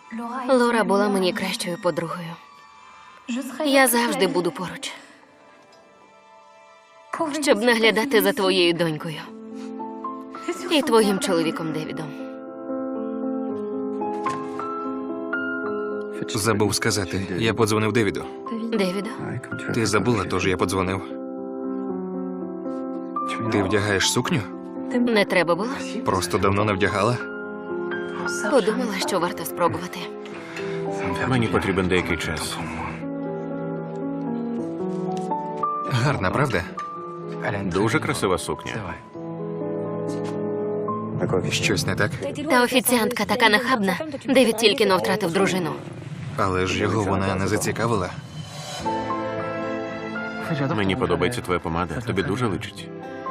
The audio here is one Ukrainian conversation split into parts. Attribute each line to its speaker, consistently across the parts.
Speaker 1: Лора була мені кращою подругою. Я завжди буду поруч, щоб наглядати за твоєю донькою і твоїм чоловіком Девідом.
Speaker 2: Забув сказати. Я подзвонив Девіду.
Speaker 1: Девіду?
Speaker 2: Ти забула, тож я подзвонив. Ти вдягаєш сукню?
Speaker 1: Не треба було?
Speaker 2: Просто давно не вдягала?
Speaker 1: Подумала, що варто спробувати.
Speaker 3: Мені потрібен деякий час.
Speaker 2: Гарна, правда?
Speaker 3: Дуже красива сукня.
Speaker 2: Щось не так?
Speaker 1: Та офіціантка така нахабна. Девід тільки но втратив дружину.
Speaker 2: Але ж його вона не зацікавила.
Speaker 3: Мені подобається твоя помада. Тобі дуже личить.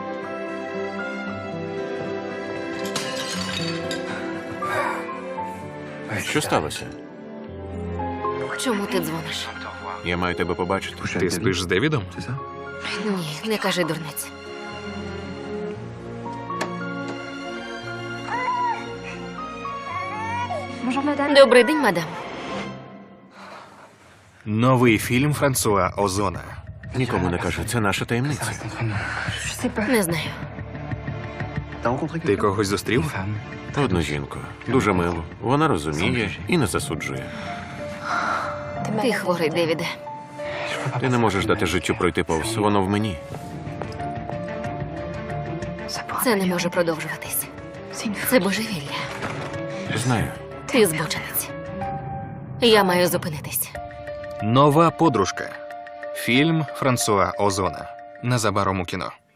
Speaker 3: Що сталося?
Speaker 1: Чому ти дзвониш?
Speaker 3: Я маю тебе побачити.
Speaker 2: Ти спиш з Девідом?
Speaker 1: Ні, не кажи дурниць. Добрий день, мадам.
Speaker 2: Новий фільм Франсуа Озона.
Speaker 3: Нікому не кажи, це наша таємниця.
Speaker 1: Не знаю.
Speaker 2: Ти когось зустрів?
Speaker 3: Одну жінку. Дуже милу. Вона розуміє і не засуджує.
Speaker 1: Ти хворий, Девіде.
Speaker 3: Ти не можеш дати життю пройти повз. Воно в мені.
Speaker 1: Це не може продовжуватись. Це божевілля.
Speaker 3: Знаю.
Speaker 1: Ти збочинець. Я маю зупинитись.
Speaker 2: Нова подружка. Фільм Франсуа Озона. Незабаром у кіно.